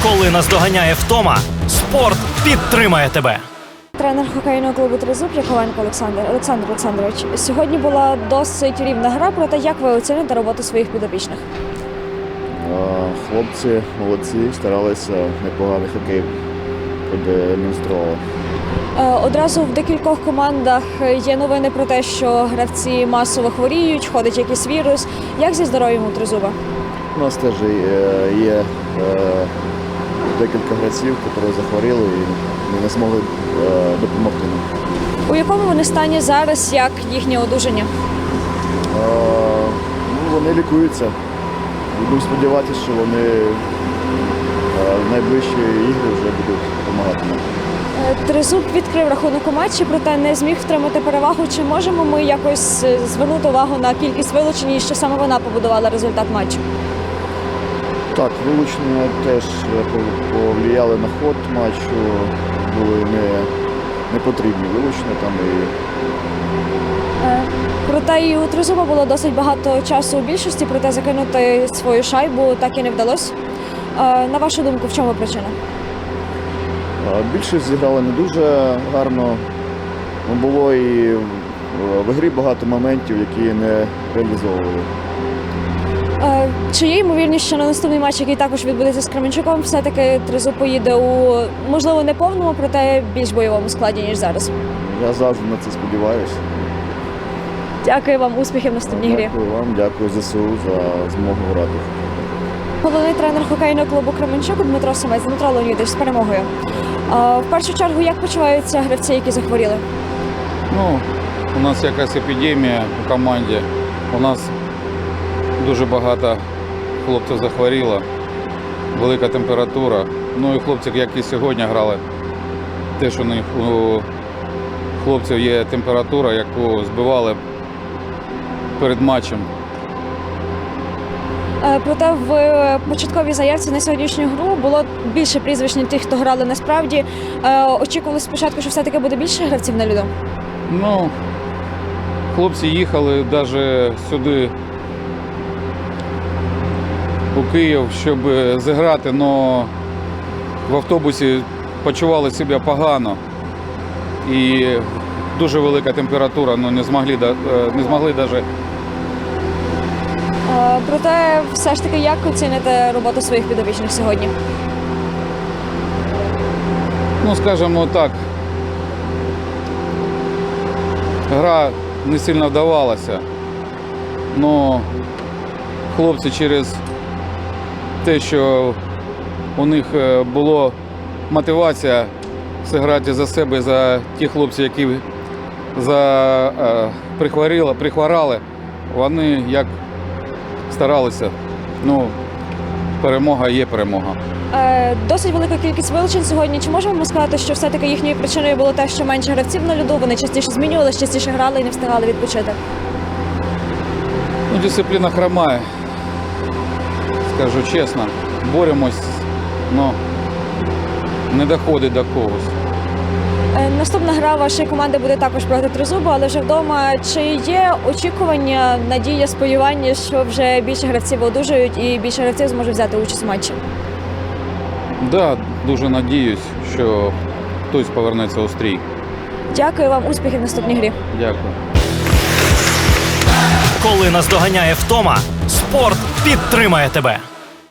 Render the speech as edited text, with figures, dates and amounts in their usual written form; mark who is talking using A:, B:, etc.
A: Коли наздоганяє втома, спорт підтримає тебе.
B: Тренер хокейного клубу «Тризуб» Яковенко Олександр Олександрович. Сьогодні була досить рівна гра, проте як ви оціните роботу своїх підопічних?
C: Хлопці молодці, старалися, непоганий хокей продемонстрували.
B: Одразу в декількох командах є новини про те, що гравці масово хворіють, ходить якийсь вірус. Як зі здоров'ям у «Тризуба»?
C: У нас теж є декілька гравців, які захворіли і ми не змогли допомогти нам.
B: У якому вони стані зараз, як їхнє одужання?
C: Вони лікуються. Будемо сподіватися, що вони в найближчі ігри вже будуть допомагати нам.
B: «Тризуб» відкрив рахунок у матчі, проте не зміг втримати перевагу. Чи можемо ми якось звернути увагу на кількість вилучень і що саме вона побудувала результат матчу?
C: Так, вилучення теж повлияли на ход матчу, були не потрібні вилучення там
B: Проте і у «Тризуба» було досить багато часу у більшості, проте закинути свою шайбу так і не вдалося. На вашу думку, в чому причина?
C: Більшість зіграли не дуже гарно. Було і в грі багато моментів, які не реалізовували.
B: Чи є ймовірність, що на наступний матч, який також відбудеться з Кременчуком, все-таки «Тризуб» поїде у, можливо, не повному, проте більш бойовому складі, ніж зараз?
C: Я завжди на це сподіваюся.
B: Дякую вам, успіхів в наступній грі.
C: Дякую вам, дякую ЗСУ за змогу грати.
B: Головний тренер хокейного клубу Кременчук Дмитро Самець. Дмитро Леонідович, з перемогою. В першу чергу, як почуваються гравці, які захворіли?
D: У нас якась епідемія у команді. У нас дуже багато хлопців захворіло, велика температура. І хлопці, як і сьогодні грали, теж у них у хлопців є температура, яку збивали перед матчем.
B: Проте в початковій заявці на сьогоднішню гру було більше прізвищ, ніж тих, хто грали насправді. Очікували спочатку, що все-таки буде більше гравців на льоду?
D: Хлопці їхали навіть сюди, у Київ, щоб зіграти, але в автобусі почували себе погано. І дуже велика температура, не змогли навіть.
B: Проте, все ж таки, як оціните роботу своїх підопічних сьогодні?
D: Скажімо так, гра не сильно вдавалася, але хлопці через те, що у них була мотивація зіграти за себе, за ті хлопці, які прихворали, вони як старалися. Перемога є перемога.
B: Досить велика кількість вилучень сьогодні. Чи можемо ми сказати, що все-таки їхньою причиною було те, що менше гравців на льоду, вони частіше змінювалися, частіше грали і не встигали відпочити?
D: Дисципліна хромає, скажу чесно. Боремось, але не доходить до когось.
B: Наступна гра вашої команди буде також проти «Тризуба», але вже вдома. Чи є очікування, надія, сподівання, що вже більше гравців одужають і більше гравців зможе взяти участь у матчі?
D: Так, дуже надіюсь, що хтось повернеться у стрій.
B: Дякую вам, успіхів в наступній грі.
D: Дякую.
A: Коли наздоганяє втома, спорт підтримає тебе.